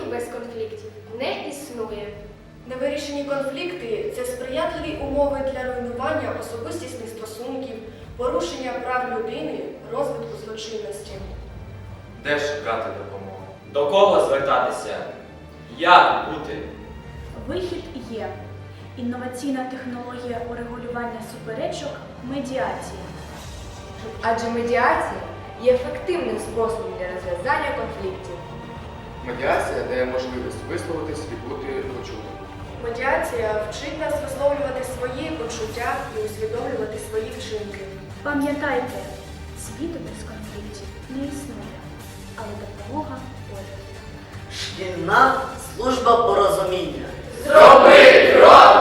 без конфліктів не існує. Невирішені конфлікти – це сприятливі умови для руйнування особистісних стосунків, порушення прав людини, розвитку злочинності. Де шукати допомогу? До кого звертатися? Як бути? Вихід є. Інноваційна технологія урегулювання суперечок – медіація. Адже медіація є ефективним способом для розв'язання конфліктів. Медіація дає можливість висловитись і бути почутим. Медіація вчить нас висловлювати свої почуття і усвідомлювати свої вчинки. Пам'ятайте, світу без конфліктів не існує, але допомога поряд. Шкільна служба порозуміння. Зроби крок